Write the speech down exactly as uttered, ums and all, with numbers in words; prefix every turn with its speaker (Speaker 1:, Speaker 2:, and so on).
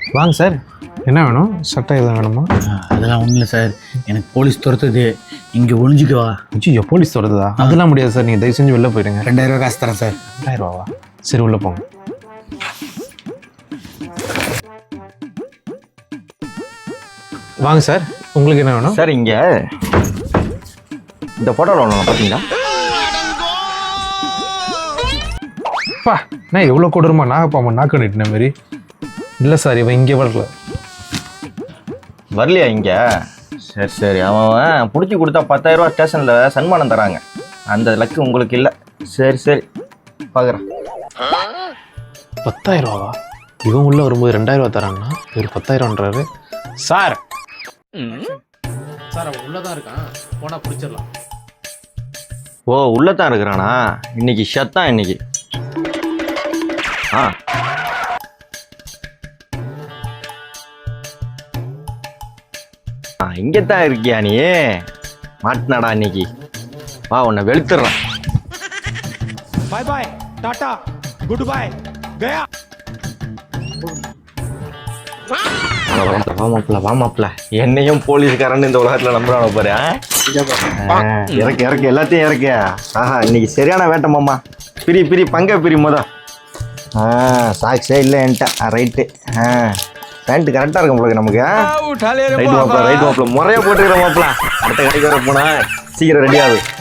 Speaker 1: வாங்க சார், என்ன வேணும்? சட்டை எதுவும் வேணுமா?
Speaker 2: அதெல்லாம் ஒன்றும் இல்லை சார், எனக்கு போலீஸ் துரத்துது, இங்கே ஒழிஞ்சிக்குவா.
Speaker 1: ஐயோ, போலீஸ் துரத்துதா? அதெல்லாம் முடியாது சார், நீங்கள் தயவு செஞ்சு வெளில போயிடுங்க.
Speaker 2: ரெண்டாயிரம் ரூபா காசு தரேன் சார்.
Speaker 1: ரெண்டாயிரம் ரூபாவா? சரி, உள்ளே போங்க. வாங்க சார், உங்களுக்கு என்ன வேணும்?
Speaker 3: சார் இங்கே இந்த ஃபோட்டோவில் ஒன்று பார்த்தீங்களா?
Speaker 1: பா, நான் எவ்வளோ கொடூரமா நாகப்பாம்பா நாக்கு நட்டின மாதிரி. இல்லை சார், இவன் இங்கே வரல.
Speaker 3: வரலையா இங்கே? சரி சரி, அவன் பிடிச்சி கொடுத்தா பத்தாயிரம் ரூபா ஸ்டேஷனில் சன்மானம் தராங்க. அந்த லக்கு உங்களுக்கு இல்லை. சரி சரி, பார்க்குறேன்.
Speaker 1: பத்தாயிரம் ரூபாவா? இவன் உள்ள வரும்போது ரெண்டாயிரம் ரூபா தராங்கன்னா இவர் பத்தாயிரம்ன்றாரு. சார் சார் அவன் உள்ளதான் இருக்கான், போனா பிடிச்சிடலாம்.
Speaker 3: ஓ, உள்ளே தான் இருக்கிறானா? இன்னைக்கு ஷத்தான் இன்னைக்கு. ஆ ஆ இங்கே தான் இருக்கியா நீ? மாட்டினாடா இன்னைக்கு. வா, உன்னை வெளுத்துடுறான்.
Speaker 4: Bye bye, tata, good bye, கயா.
Speaker 3: வாமாப்ல வாமாப்ல, என்னையும் போலீஸ்காரன்னு இந்த உலகத்தில் நம்புறான பாரு. இறக்கு இறக்கு எல்லாத்தையும் இறக்கு. ஆஹா, இன்னைக்கு சரியான வேட்டை மாமா. பிரி பிரி பங்க பிரி மொத. ஆ சாக்ஸே இல்லை என்கிட்ட. ரைட்டு. ஆ பேண்ட்டு கரெக்டாக இருக்கும் உங்களுக்கு நமக்கு. ரைட் மாப்பிள ரைட் மாப்பிள முறையாக போட்டுக்கிற மாப்பிள. அடுத்த கடைக்கு வர போனா சீக்கிரம் ரெடி ஆகுது.